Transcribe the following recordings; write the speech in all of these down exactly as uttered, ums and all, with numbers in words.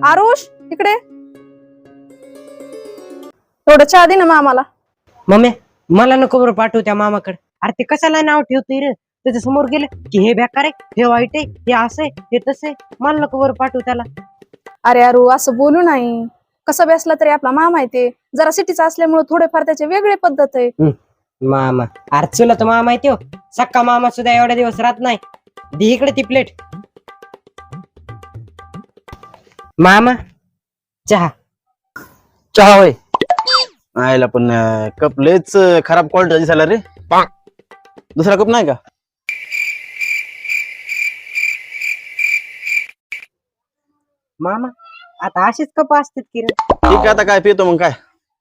आरुष इकडे एवढं चहा दे ना मामाला. मम्मी मला नको बरं पाठवू त्या मामाकडे. अरे ते कशाला नाव ठेवतोय रे? त्याच्या समोर गेले की हे बेकार आहे, हे वाईट आहे, हे असं आहे, हे तसं आहे. मला नको बरं पाठवू त्याला. अरे अरू असं बोलू नाही. कसं बसला तरी आपला मामा आहे ते. जरा सिटीचा असल्यामुळे थोडेफार त्याचे वेगळे पद्धत आहे. मामा अरे चुला तर मामा आहे तो. सक्का मामा सुद्धा एवढ्या दिवस राहत नाही. दे इकडे ती प्लेट. मामा चहा. चहा होय. आयला पण कप लयच खराब क्वालिटी दिसायला रे. दुसरा कप नाही का? मामा आता अशीच कप असतात की रे. ठीक आहे आता काय पितो मग काय.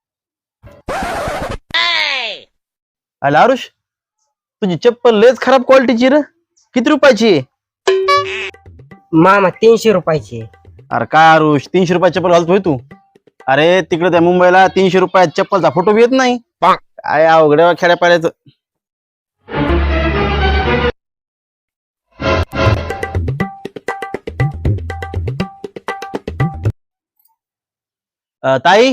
आयला आरुष तुझी चप्पल लयच खराब क्वालिटीची रे. किती रुपयाची आहे? मामा तीनशे रुपयाची. अरे काय आरुष तीनशे रुपयाची चप्पल घालतोय तू? अरे तिकडे त्या मुंबईला तीनशे रुपयात चप्पलचा फोटो बी येत नाही. काय अवघड खेड्या पाड्याचं. ताई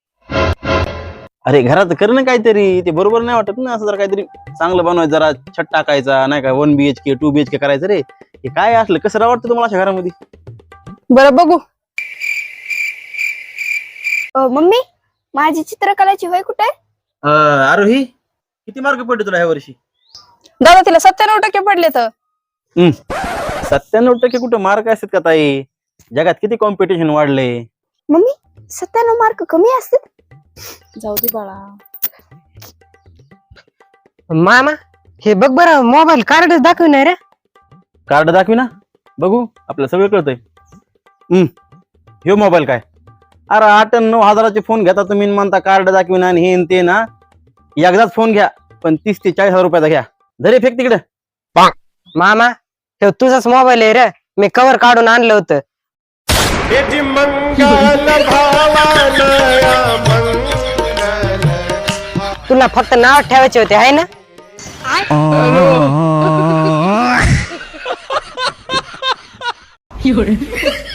अरे घरात कर ना काहीतरी. ते बरोबर नाही वाटत ना. असं जरा काहीतरी चांगलं बनवायचं. जरा छत टाकायचा नाही का. One B H K two B H K करायचं रे. हे काय असलं कसं वाटतं तुम्हाला अशा घरामध्ये? बरं बघू. मम्मी माझी चित्रकलाची वय कुठे आहे? आरोही किती मार्क पडले तुला ह्या वर्षी? दादा तिला सत्त्याण्णव टक्के पडले तर. सत्त्याण्णव टक्के कुठं मार्क असतात का ताई? जगात किती कॉम्पिटिशन वाढले. मम्मी सत्त्याण्णव मार्क कमी असतात? जाऊ दे बाळा. मामा हे बघ बरं मोबाईल कार्ड दाखवणार रे. कार्ड दाखवी ना बघू. आपल्याला सगळं कळतंय. हम्म ह्यो मोबाईल काय? अरे आठ नऊ हजाराचे फोन घेता तुम्ही म्हणता कार्ड दाखवी ना हे ते ना. एकदाच फोन घ्या पण तीस ते चाळीस हजार रुपयाचा घ्या. जरी फेक तिकडे. मामा हे तुझाच मोबाईल आहे रे. मी कव्हर काढून आणलं होतं. तुला फक्त नाव ठेवायचे होते आहे ना. 有人。